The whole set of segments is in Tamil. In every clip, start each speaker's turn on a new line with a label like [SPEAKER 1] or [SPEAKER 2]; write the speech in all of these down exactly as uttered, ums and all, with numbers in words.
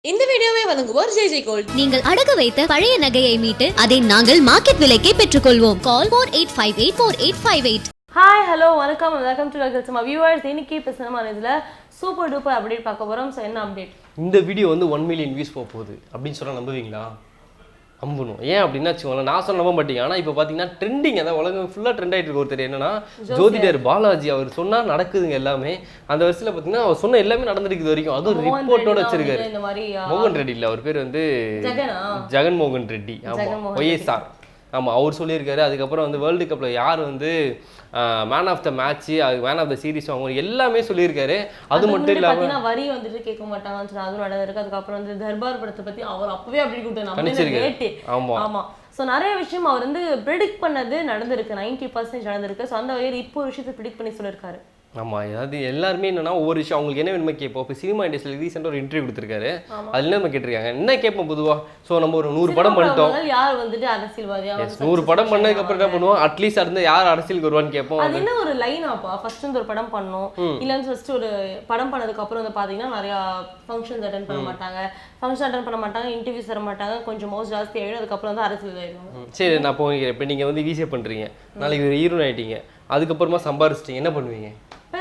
[SPEAKER 1] இந்த வீடியோவை வழங்குவோர் ஜே ஜே கோல்ட்.
[SPEAKER 2] நீங்கள் அடகு வைத்த பழைய நகையை மீட்டு அதை நாங்கள் மார்க்கெட் விலைக்கே பெற்றுக்கொள்வோம். Call four eight five eight four eight five eight.
[SPEAKER 3] Hi hello வணக்கம் வெல்கம் டு நம்ம வியூவர்ஸ். இன்னைக்கு இப்போ சினிமா இதில் சூப்பர் டூப்பர் அப்டேட் பார்க்க போகிறோம். ஸோ என்ன அப்டேட்?
[SPEAKER 4] இந்த வீடியோ வந்து ஒன் மில்லியன் வியூஸ் போக போகுது அப்படின்னு சொன்னால் நம்புவீங்களா? நம்பணும். ஏன் அப்படின்னா வச்சுக்கோங்களேன், நான் சொல்ல நம்ப மாட்டீங்க. ஆனால் இப்போ பார்த்தீங்கன்னா ட்ரெண்டிங், அதான் உலகம் ஃபுல்லாக ட்ரெண்ட் ஆகிட்டு இருக்கு. ஒருத்தர் என்னன்னா ஜோதிடர் பாலாஜி, அவர் சொன்னால் நடக்குதுங்க எல்லாமே. அந்த வருஷத்தில் பார்த்தீங்கன்னா அவர் சொன்ன எல்லாமே நடந்துருக்கு வரைக்கும். அதுவும் ரிப்போர்ட்டோட வச்சிருக்காரு. மோகன் ரெட்டி இல்லை, அவர் பேர் வந்து ஜெகன் மோகன் ரெட்டி. ஆமாம், ஒய்எஸ்ஆர். ஆமாம், அவர் சொல்லியிருக்காரு. அதுக்கப்புறம் வந்து வேர்ல்டு கப்பில் யார் வந்து மேன் ஆஃப் த மேட்ச்சு, அது மேன் ஆஃப் த சீரிஸ் அவங்க எல்லாமே சொல்லியிருக்காரு. அது மட்டும் இல்லாமல்
[SPEAKER 3] வரி வந்துட்டு கேட்க மாட்டாங்கன்னு சொல்லி அதுவும் நடந்திருக்கு. அதுக்கப்புறம் வந்து தர்பார் படத்தை பற்றி அவர் அப்பவே அப்படி கொடுத்தாரு.
[SPEAKER 4] ஆமாம்
[SPEAKER 3] ஆமாம். ஸோ நிறைய விஷயம் அவர் வந்து ப்ரிடிக்ட் பண்ணது நடந்திருக்கு. நைன்டி பர்சன்டேஜ் நடந்திருக்கு. ஸோ அந்த வகையில் இப்போ ஒரு விஷயத்தை ப்ரிடிக்ட் பண்ணி சொல்லியிருக்காரு.
[SPEAKER 4] ஆமாம், அதாவது எல்லாருமே என்னன்னா ஒவ்வொரு விஷயம் அவங்களுக்கு என்ன வேணுமே கேட்போம். இப்போ சினிமா இண்டஸ்ட்ரியில் ரீசெண்டாக ஒரு இன்டர்வியூ கொடுத்துருக்காரு. அதில் என்ன நம்ம கேட்டிருக்காங்க, என்ன கேட்போம் பொதுவாக. ஸோ நம்ம ஒரு நூறு படம் பண்ணிட்டோம்,
[SPEAKER 3] யார் வந்துட்டு அரசியல்வாதியா
[SPEAKER 4] நூறு படம் பண்ணதுக்கப்புறம் என்ன பண்ணுவோம், அட்லீஸ்ட் அது யார் அரசியலுக்கு வருவான்னு கேட்போம்.
[SPEAKER 3] அது என்ன ஒரு லைனாப்பா, ஃபர்ஸ்ட் வந்து ஒரு படம் பண்ணோம், இல்லைன்னு ஃபர்ஸ்ட் ஒரு படம் பண்ணதுக்கு அப்புறம் வந்து பார்த்தீங்கன்னா நிறையா ஃபங்க்ஷன்ஸ் அட்டன் பண்ண மாட்டாங்க, ஃபங்க்ஷன் அட்டன் பண்ண மாட்டாங்க, இன்டர்வியூஸ் தர மாட்டாங்க, கொஞ்சம் மோஸ்ட் ஜாஸ்தி ஆகிடும். அதுக்கப்புறம் வந்து அரசியல் ஆகிடும்.
[SPEAKER 4] சரி, நான் போகிறேன். இப்போ நீங்கள் வந்து வீசியே பண்ணுறீங்க, நாளைக்கு ஒரு ஹீரோன் ஆகிட்டீங்க, அதுக்கப்புறமா சம்பாரிச்சிட்டீங்க, என்ன பண்ணுவீங்க?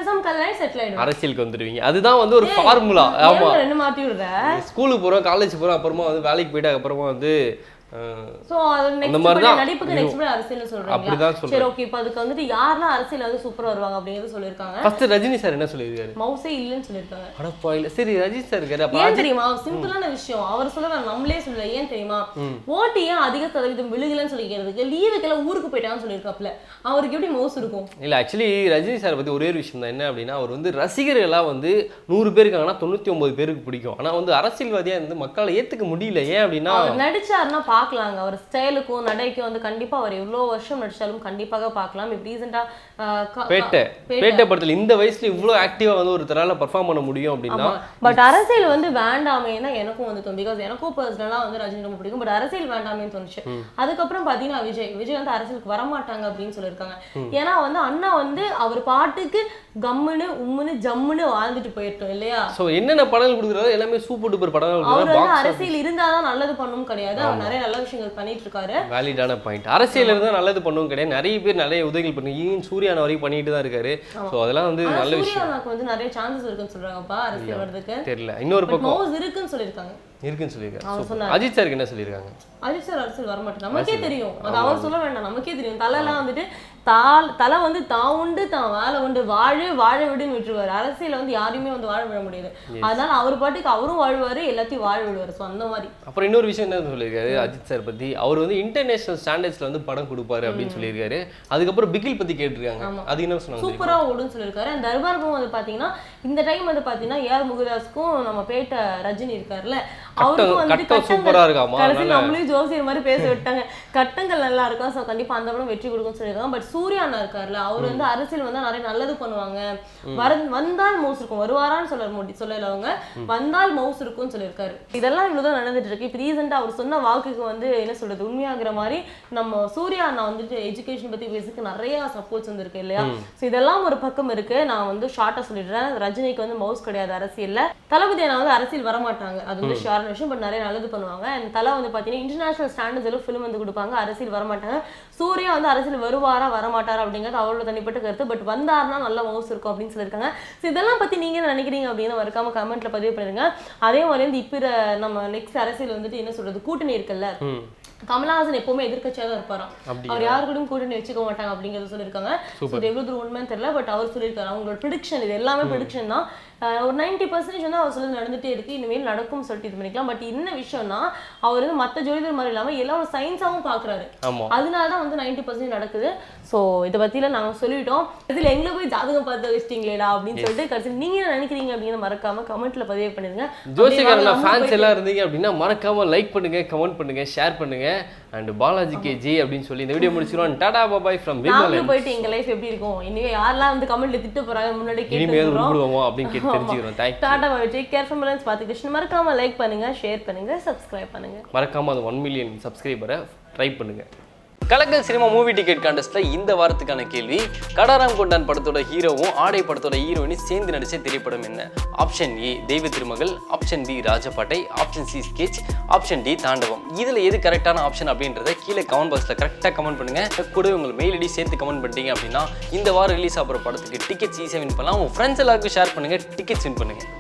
[SPEAKER 4] அரசியலுக்கு வந்துடுவீங்க. அதுதான் வந்து ஒரு ஃபார்முலா. ஆமா,
[SPEAKER 3] என்ன மாத்தி விடுற,
[SPEAKER 4] ஸ்கூலுக்கு போறோம், காலேஜ் போறோம், அப்புறமா வந்து வேலைக்கு போயிட்டு அப்புறமா வந்து
[SPEAKER 3] சோ அந்த மாதிரி தான் நடிப்புக்கு நெக்ஸ்ட் படி அரசியல் சொல்றாங்க. அப்படிதான் சொல்றாங்க. சரி, ஓகே. இப்போ அதுக்கு வந்துட்டு யாரெல்லாம் அரசியல் வந்து சூப்பரா வருவாங்க அப்படிங்கறது சொல்லிருக்காங்க.
[SPEAKER 4] ஃபர்ஸ்ட் ரஜினி சார் என்ன சொல்லிருக்காரு?
[SPEAKER 3] மவுசே இல்லன்னு சொல்லிருக்காங்க.
[SPEAKER 4] அட பாயில. சரி, ரஜினி சார் இருக்காரு. அப்ப
[SPEAKER 3] ஏன் தெரியுமா, சிம்பிளான விஷயம் அவர் சொல்ல நம்மளே சொல்லல. ஏன் தெரியுமா, ஓட்டு ஏன் அதிக சதவீதம் விழுகலன்னு சொல்லிக்கிறதுக்கு லீவுக்கெல்லாம் ஊருக்கு போயிட்டான்னு சொல்லிருக்காப்ல. அவருக்கு எப்படி மவுஸ் இருக்கும்?
[SPEAKER 4] இல்ல, ஆக்சுவலி ரஜினி சார் பத்தி ஒரே ஒரு விஷயம் தான். என்ன அப்படின்னா, அவர் வந்து ரசிகர்களா வந்து நூறு பேர் இருக்காங்கன்னா தொண்ணூத்தி ஒன்பது பேருக்கு பிடிக்கும். ஆனா வந்து அரசியல்வாதியா இருந்து மக்களை ஏத்துக்க முடியல. ஏன் அப்படின்னா,
[SPEAKER 3] அவர் நடிச்சாருன்னா பார்க்கலாங்க, அவர் ஸ்டைலுக்கும் நடைக்கும் வந்து கண்டிப்பா அவர் எவ்வளோ வருஷம் நடிச்சாலும் கண்டிப்பாக பார்க்கலாம். இப்போ ரீசெண்டா
[SPEAKER 4] பேட்டை பேட்டை படத்துல இந்த வயசுல இவ்வளோ ஆக்டிவா வந்து ஒரு தரால பர்ஃபார்ம் பண்ண முடியும் அப்படின்னா.
[SPEAKER 3] பட் அரசியல் வந்து வேண்டாமேன்னா எனக்கும் வந்து தோணும். பிகாஸ் எனக்கும் பர்சனலா வந்து ரஜினி ரொம்ப பிடிக்கும். பட் அரசியல் வேண்டாமேன்னு தோணுச்சு. அதுக்கப்புறம் பாத்தீங்கன்னா விஜய் விஜய் வந்து அரசியலுக்கு வரமாட்டாங்க அப்படின்னு சொல்லியிருக்காங்க. ஏன்னா வந்து அண்ணா வந்து அவர் பாட்டுக்கு கம்முன்னு உம்முன்னு ஜம்முன்னு வாழ்ந்துட்டு போயிட்டோம் இல்லையா.
[SPEAKER 4] சோ என்னென்ன படங்கள் கொடுக்குறாரு எல்லாமே சூப்பர் டூப்பர் படங்கள்.
[SPEAKER 3] அவர் வந்து அரசியல் இருந்தாதான் நல்லது பண்ணவும் கிடையாது, அவர் நிறைய நல்ல விஷயங்கள் பண்ணிட்டு இருக்காரு.
[SPEAKER 4] வேலிடான பாயிண்ட். அரசியல் இருந்தா நல்லது பண்ணவும் கிடையாது. நிறைய பேர் நிறைய உதவிகள் பண்ணி ஈவன் சூர்யானா வரைக்கும் பண்ணிட்டு தான் இருக்காரு. சோ அதெல்லாம் வந்து நல்ல விஷயம்.
[SPEAKER 3] சூர்யானாக்கு வந்து நிறைய சான்சஸ் இருக்குன்னு சொல்றாங்கப்பா அரசியல் வரதுக்கு.
[SPEAKER 4] தெரியல, இன்னொரு பக்கம்
[SPEAKER 3] மவுஸ் இருக்குன்னு சொல்லிருக்காங்க.
[SPEAKER 4] இருக்குன்னு சொல்லிருக்காங்க. அஜித் சாருக்கு என்ன சொல்லிருக்காங்க?
[SPEAKER 3] அஜித் சார் அரசியல் வர மாட்டேன், நமக்கே தெரியும். அது அவர் சொல்ல வேண்டாம், நமக்கே தெரியும். தலைலாம் வந்துட்டு தால் தலை வந்து தான் உண்டு தான் வேலை உண்டு, வாழு வாழ விடுன்னு விட்டுருவாரு. அரசியல வந்து யாரையுமே வந்து வாழ விட முடியாது. அதனால அவர் பாட்டுக்கு அவரும் வாழ்வாரு, எல்லாத்தையும் வாழ விடுவாரு. ஸோ அந்த மாதிரி.
[SPEAKER 4] அப்புறம் இன்னொரு விஷயம் என்ன சொல்லியிருக்காரு அஜித் சார் பத்தி, அவர் வந்து இன்டர்நேஷனல் ஸ்டாண்டர்ட்ஸ்ல வந்து படம் கொடுப்பாரு அப்படின்னு சொல்லியிருக்காரு. அதுக்கப்புறம் பிகில் பத்தி கேட்டிருக்காங்க. அது என்ன சொன்னாங்க? சூப்பரா
[SPEAKER 3] ஓடுன்னு சொல்லியிருக்காரு. அந்த தர்பாருக்கும் வந்து பாத்தீங்கன்னா இந்த டைம் வந்து பாத்தீங்கன்னா ஏஆர் முருகதாஸுக்கும் நம்ம பேட்ட ரஜினி இருக்காருல்ல, அவருக்கும் வந்து
[SPEAKER 4] சூப்பரா இருக்காமா.
[SPEAKER 3] நம்மளையும் ஜோசியர் மாதிரி பேச விட்டாங்க. கட்டங்கள் நல்லா இருக்கும். ஸோ கண்டிப்பா அந்த படம் வெற்றி கொடுக்கும்னு சொல்லியிருக்காங்க. பட் சூர்யா அண்ணா இருக்காருல்ல, அவர் வந்து அரசியல் வந்தா நிறைய நல்லது பண்ணுவாங்க. வர வந்தால் மவுஸ் இருக்கும், வருவாரான்னு சொல்ல முடி சொல்லல அவங்க, வந்தால் மவுஸ் இருக்கும்னு சொல்லியிருக்காரு. இதெல்லாம் இவ்வளவுதான் நடந்துட்டு இருக்கு. இப்போ ரீசெண்டா அவர் சொன்ன வாக்குக்கு வந்து என்ன சொல்றது உண்மையாகிற மாதிரி நம்ம சூர்யா அண்ணா வந்துட்டு எஜுகேஷன் பத்தி பேசுறதுக்கு நிறைய சப்போர்ட்ஸ் வந்து இருக்கு இல்லையா. ஸோ இதெல்லாம் ஒரு பக்கம் இருக்கு. நான் வந்து ஷார்ட்டா சொல்லிடுறேன், ரஜினிக்கு வந்து மவுஸ் கிடையாது அரசியல்ல. தளபதி அண்ணா வந்து அரசியல் வர மாட்டாங்க, அது வந்து ஷார்ட் விஷயம். பட் நிறைய நல்லது பண்ணுவாங்க. அண்ட் தலை வந்து பாத்தீங்கன்னா இன்டர்நேஷனல் ஸ்டாண்டர்ட்ஸ் எல்லாம் ஃபிலிம் வந்து கொடுப்பாங்க, அரசியல் வரமாட்டாங்க. சூர்யா வந்து அரசியல் வருவாரா வரமாட்டாரா அப்படிங்கிறது அவரோட தனிப்பட்ட கருத்து. பட் வந்தாருன்னா நல்ல மவுஸ் இருக்கும் அப்படின்னு சொல்லியிருக்காங்க. ஸோ இதெல்லாம் பத்தி நீங்க என்ன நினைக்கிறீங்க அப்படின்னு மறக்காம கமெண்ட்ல பதிவு பண்ணிருங்க. அதே மாதிரி வந்து இப்ப நம்ம நெக்ஸ்ட் அரசியல் வந்துட்டு என்ன சொல்றது கூட்டணி இருக்குல்ல, கமலஹாசன் எப்பவுமே எதிர்கட்சியா தான் இருப்பாராம். அவர் யாரு கூடயும் கூட்டணி வச்சுக்க மாட்டாங்க அப்படிங்கறத சொல்லியிருக்காங்க. எவ்வளவு தூரம் உண்மைன்னு தெரியல, பட் அவர் சொல்லியிருக்காரு. அவங்களோட ப்ரிடிக்ஷன் இது எல்லாமே ப்ரிடிக்ஷன் தான். ஒரு நைன்டி பர்சன்டேஜ் வந்து அவர் சொல்லி நடந்துட்டே இருக்கு, இனிமேல் நடக்கும் சொல்லிட்டு இது பண்ணிக்கலாம். பட் என்ன விஷயம்னா அவர் வந்து மற்ற ஜோதிடர் மாதிரி இல்லாம எல்லாம் ஒரு சயின்ஸாவும் பாக்குறாரு. அதனாலதான் வந்து நைன்டி பர்சன்டேஜ் நடக்குது. ஸோ இதை பத்திலாம் நாங்க சொல்லிட்டோம். இதுல எங்களை போய் ஜாதகம் பார்த்து வச்சிட்டீங்களா அப்படின்னு சொல்லிட்டு கடைசி நீங்க என்ன நினைக்கிறீங்க அப்படின்னு மறக்காம கமெண்ட்ல பதிவு பண்ணிருங்க.
[SPEAKER 4] ஜோசிகாரனா ஃபேன்ஸ் எல்லாம் இருந்தீங்க அப்படின்னா மறக்காம லைக் பண்ணுங்க, கமெண்ட் பண்ணுங்க, ஷேர் பண்ணுங்க. அண்ட் பாலாஜி கே ஜி அப்படின்னு சொல்லி இந்த வீடியோ முடிச்சிரோம். Tata bye from Vimalan.
[SPEAKER 3] போயிட்டு எங்க லைஃப் எப்படி இருக்கும் இனிமே யாரெல்லாம் வந்து கமெண்ட்ல திட்டு போறாங்க முன்னாடி
[SPEAKER 4] கேட்டுறோம் அப்படின்னு கேட்டு தெரிஞ்சுக்கிறோம். Thanks.
[SPEAKER 3] Tata bye. Take care from Vimalan. பாத்து கிருஷ்ணன். மறக்காம லைக் பண்ணுங்க, ஷேர் பண்ணுங்க, சப்ஸ்கிரைப் பண்ணுங்க.
[SPEAKER 4] மறக்காம அது ஒன் மில்லியன் சப்ஸ்கிரைபரை ட்ரை பண்ணுங்க. கலக்கல் சினிமா மூவி டிக்கெட் கான்டெஸ்ட்ல இந்த வாரத்துக்கான கேள்வி, கடாராம் கொண்டான் படத்தோட ஹீரோவும் ஆடை படத்தோட ஹீரோயினும் சேர்ந்து நடிச்ச திரைப்படம் என்ன? Option A Deiva Thirumagal, option B Rajapattai, option C sketch, option D Thandavam. இதுல எது கரெக்டான ஆப்ஷன் அப்படின்றத கீழே கமெண்ட் பாக்ஸ்ல கரெக்டாக கமெண்ட் பண்ணுங்க. கூட உங்கள் மெயில் ஐடி சேர்த்து கமெண்ட் பண்ணிட்டீங்க அப்படின்னா இந்த வாரம் ரிலீஸ் ஆகிற படத்துக்கு டிக்கெட்ஸ் ஈஸியாக வின் பண்ணலாம். உங்கள் ஃப்ரெண்ட்ஸ் எல்லாருக்கும் ஷேர் பண்ணுங்க, டிக்கெட்ஸ் வின் பண்ணுங்க.